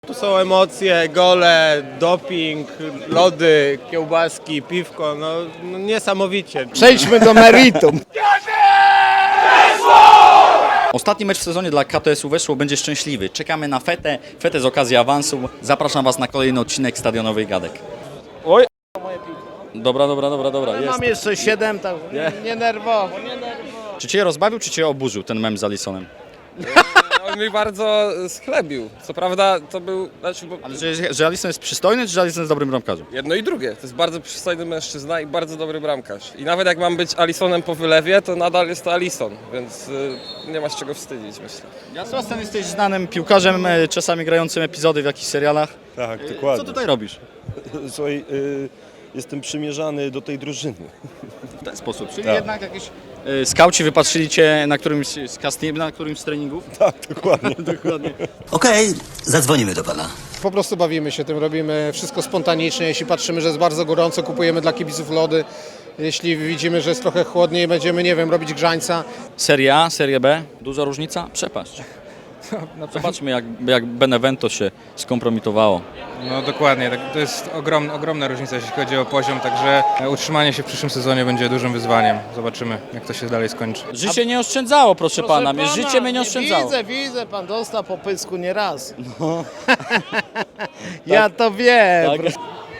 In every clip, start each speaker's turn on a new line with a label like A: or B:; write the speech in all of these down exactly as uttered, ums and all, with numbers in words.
A: Tu są emocje, gole, doping, lody, kiełbaski, piwko, no, no niesamowicie.
B: Przejdźmy do meritum.
C: Ostatni mecz w sezonie dla K T S-u Weszło będzie szczęśliwy. Czekamy na fetę, fetę z okazji awansu. Zapraszam Was na kolejny odcinek Stadionowej Gadek.
A: Oj.
C: Dobra, dobra, dobra, dobra. Jest.
B: Mam jeszcze siedem, tak nie, nie nerwowo, nie nerwowo.
C: Czy Cię rozbawił, czy Cię oburzył ten mem z Alisonem?
D: On mi bardzo schlebił. Co prawda to był, znaczy, bo
C: Ale że, że Alison jest przystojny, czy że Alison jest dobrym bramkarzem?
D: jedno i drugie. To jest bardzo przystojny mężczyzna i bardzo dobry bramkarz. I nawet jak mam być Alisonem po wylewie, to nadal jest to Alison, więc y, nie ma z czego wstydzić, myślę.
C: Ja Sebastian, jesteś znanym piłkarzem, e, czasami grającym epizody w jakichś serialach.
E: Tak,
C: Co
E: dokładnie.
C: tutaj robisz?
E: Słuchaj, y, jestem przymierzany do tej drużyny.
C: W ten sposób, czyli
E: Tak.
C: jednak jakieś e, skauci wypatrzyli Cię na którymś z casting, na którymś z treningów?
E: Tak, dokładnie.
C: Dokładnie.
F: Okej, zadzwonimy do pana.
G: Po prostu bawimy się tym, robimy wszystko spontanicznie. Jeśli patrzymy, że jest bardzo gorąco, kupujemy dla kibiców lody. Jeśli widzimy, że jest trochę chłodniej, będziemy, nie wiem, robić grzańca.
C: Serie A, Serie B, duża różnica? Przepaść. Zobaczmy, jak, jak Benevento się skompromitowało.
H: No dokładnie, tak, to jest ogrom, ogromna różnica, jeśli chodzi o poziom, także utrzymanie się w przyszłym sezonie będzie dużym wyzwaniem. Zobaczymy, jak to się dalej skończy.
C: Życie nie oszczędzało, proszę, pana. Mnie życie mnie nie oszczędzało.
B: Widzę, widzę, pan dostał po pysku nie raz. Ja to wiem.
C: Tak.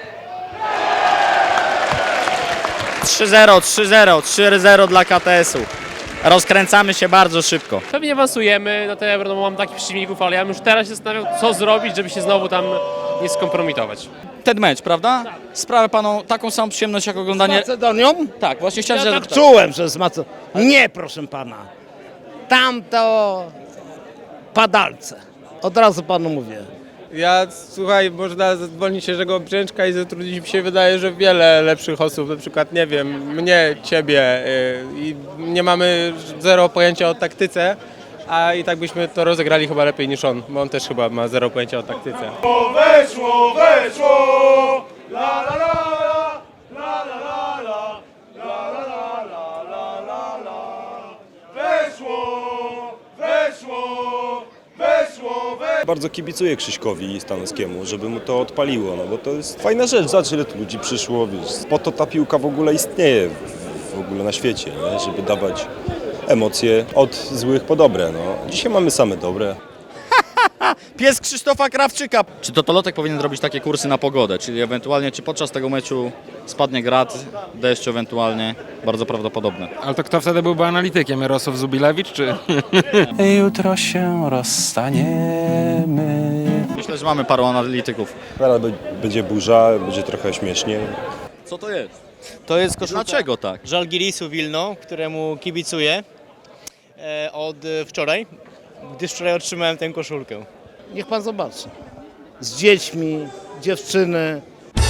C: trzy zero, trzy zero, trzy zero dla K T S-u. Rozkręcamy się bardzo szybko.
I: Pewnie awansujemy na te Euro, no bo mam takich przeciwników, ale ja bym już teraz się zastanawiał, co zrobić, żeby się znowu tam nie skompromitować.
C: Ten mecz, prawda? Sprawia panu taką samą przyjemność jak
B: Z
C: oglądanie...
B: Macedonią?
C: Tak, właśnie chciałem,
B: Ja
C: że...
B: tak czułem, że z Macedonią. Nie, proszę pana. Tam to padalce. Od razu panu mówię.
A: Ja, słuchaj, można zwolnić się Jerzego Brzęczka i zatrudnić, mi się wydaje, że wiele lepszych osób, na przykład, nie wiem, mnie, ciebie y, i nie mamy zero pojęcia o taktyce, a i tak byśmy to rozegrali chyba lepiej niż on, bo on też chyba ma zero pojęcia o taktyce.
E: Weszło, weszło! La la la la, la la la la, la la la la, la la la. Weszło, weszło, weszło, weszło. Bardzo kibicuję Krzyśkowi Stanowskiemu, żeby mu to odpaliło, no bo to jest fajna rzecz. Zobacz, ile tu ludzi przyszło, wiesz, po to ta piłka w ogóle istnieje w, w ogóle na świecie, nie? Żeby dawać emocje od złych po dobre, no. Dzisiaj mamy same dobre.
C: Pies Krzysztofa Krawczyka. Czy Totolotek powinien robić takie kursy na pogodę, czyli ewentualnie, czy podczas tego meczu spadnie grad, deszcz ewentualnie, bardzo prawdopodobne.
H: Ale to kto wtedy byłby analitykiem? Jarosław Zubilewicz czy...
J: Jutro się rozstaniemy.
C: Myślę, że mamy paru analityków.
E: Zaraz be- będzie burza, będzie trochę śmiesznie.
C: Co to jest?
K: To jest koszulka
C: Dlaczego tak?
K: Żalgirisu Wilno, któremu kibicuję e, od e, wczoraj, gdyż wczoraj otrzymałem tę koszulkę.
B: Niech pan zobaczy. Z dziećmi, dziewczyny.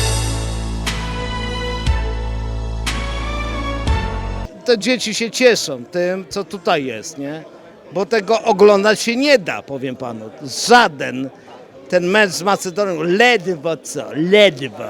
B: Te dzieci się cieszą tym, co tutaj jest, nie? Bo tego oglądać się nie da, powiem panu. Żaden ten mecz z Macedonią, ledwo co, ledwo.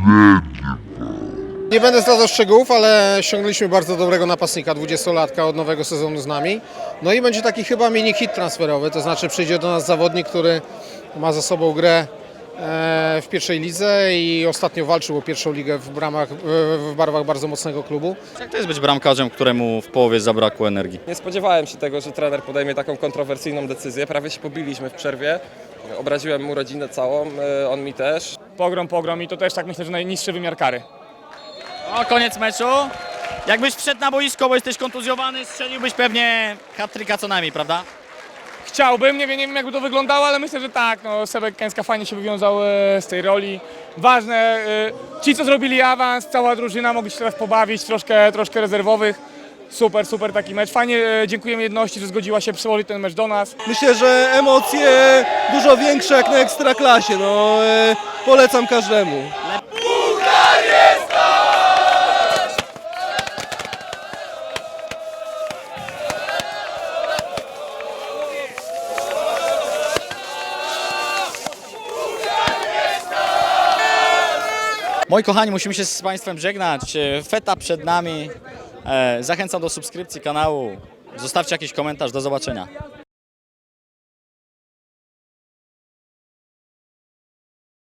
G: Nie będę zdradzał szczegółów, ale ściągnęliśmy bardzo dobrego napastnika, dwudziestolatka od nowego sezonu z nami. No i będzie taki chyba mini hit transferowy, to znaczy przyjdzie do nas zawodnik, który ma za sobą grę w pierwszej lidze i ostatnio walczył o pierwszą ligę w, bramach, w barwach bardzo mocnego klubu.
C: Jak to jest być bramkarzem, któremu w połowie zabrakło energii?
D: Nie spodziewałem się tego, że trener podejmie taką kontrowersyjną decyzję. Prawie się pobiliśmy w przerwie. Obraziłem mu rodzinę całą, y, on mi też.
H: Pogrom, pogrom i to też tak myślę, że najniższy wymiar kary.
C: O, koniec meczu. Jakbyś wszedł na boisko, bo jesteś kontuzjowany, strzeliłbyś pewnie hat-tricka co najmniej, prawda?
H: Chciałbym, nie wiem, nie wiem jakby to wyglądało, ale myślę, że tak. No, Sebek Kęska fajnie się wywiązał e, z tej roli. Ważne, e, ci co zrobili awans, cała drużyna, mogli się teraz pobawić, troszkę, troszkę rezerwowych. Super, super taki mecz. Fajnie, e, dziękujemy jedności, że zgodziła się przyłożyć ten mecz do nas.
E: Myślę, że emocje dużo większe jak na Ekstraklasie, no polecam każdemu.
C: Moi kochani, musimy się z Państwem żegnać. Feta przed nami. Zachęcam do subskrypcji kanału. Zostawcie jakiś komentarz. Do zobaczenia.